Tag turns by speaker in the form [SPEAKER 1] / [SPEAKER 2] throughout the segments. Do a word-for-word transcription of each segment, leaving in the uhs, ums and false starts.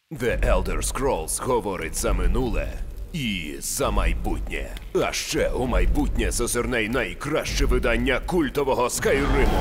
[SPEAKER 1] The Elder Scrolls говорить за минуле і за майбутнє. А ще у майбутнє зазирне й найкраще видання культового Скайриму.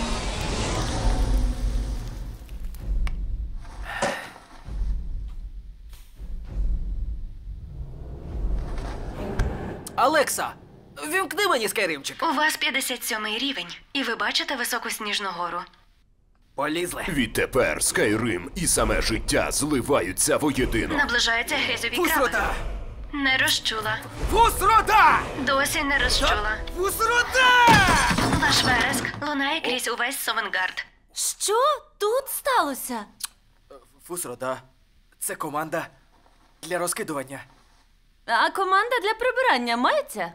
[SPEAKER 2] Алекса, вімкни мені Скайримчик.
[SPEAKER 3] У вас п'ятдесят сьомий рівень, і ви бачите високу сніжну гору.
[SPEAKER 2] Полізли.
[SPEAKER 1] Відтепер Скайрим і саме життя зливаються воєдино.
[SPEAKER 3] Наближаються грязьові краби.
[SPEAKER 2] Фусрота!
[SPEAKER 3] Не розчула.
[SPEAKER 2] Фусрота!
[SPEAKER 3] Досі не розчула.
[SPEAKER 2] Фусрота!
[SPEAKER 3] Ваш вереск лунає крізь увесь Совенгард.
[SPEAKER 4] Що тут сталося?
[SPEAKER 2] Фусрота. Це команда для розкидування.
[SPEAKER 4] А команда для прибирання мається?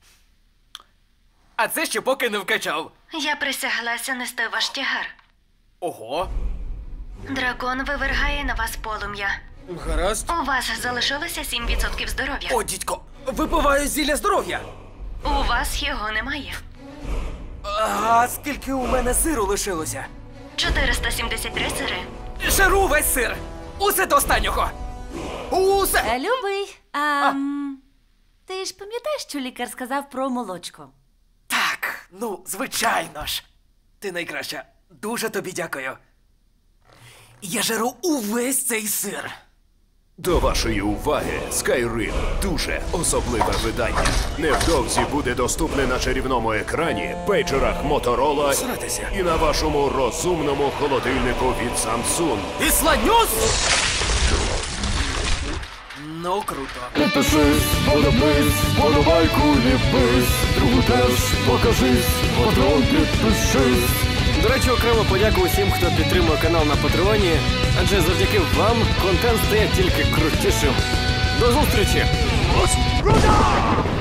[SPEAKER 2] А це ще поки не вкачав.
[SPEAKER 3] Я присяглася нести ваш тягар.
[SPEAKER 2] Ого.
[SPEAKER 3] Дракон вивергає на вас полум'я.
[SPEAKER 2] Гаразд.
[SPEAKER 3] У вас залишилося сім відсотків здоров'я.
[SPEAKER 2] О, дідько, випиваю зілля здоров'я.
[SPEAKER 3] У вас його немає.
[SPEAKER 2] А скільки у мене сиру лишилося?
[SPEAKER 3] чотириста сімдесят три сири.
[SPEAKER 2] Жару весь сир. Усе до останнього. Усе.
[SPEAKER 4] Е, Любий, а, м, ти ж пам'ятаєш, що лікар сказав про молочко?
[SPEAKER 2] Так, ну, звичайно ж. Ти найкраща. Дуже тобі дякую. Я жару увесь цей сир.
[SPEAKER 1] До вашої уваги, Скайрим – дуже особливе видання. Невдовзі буде доступне на чарівному екрані, пейджерах Моторола
[SPEAKER 2] Сратися.
[SPEAKER 1] і на вашому розумному холодильнику від Samsung.
[SPEAKER 2] Ісладнюс! Ну, круто.
[SPEAKER 5] Підпишись, подобись, подобайку ліпись, другу теж покажись, патрон підпишись.
[SPEAKER 6] До речі, окремо подяку усім, хто підтримує канал на Патреоні, адже завдяки вам контент стає тільки крутішим. До зустрічі!
[SPEAKER 5] Розкрута!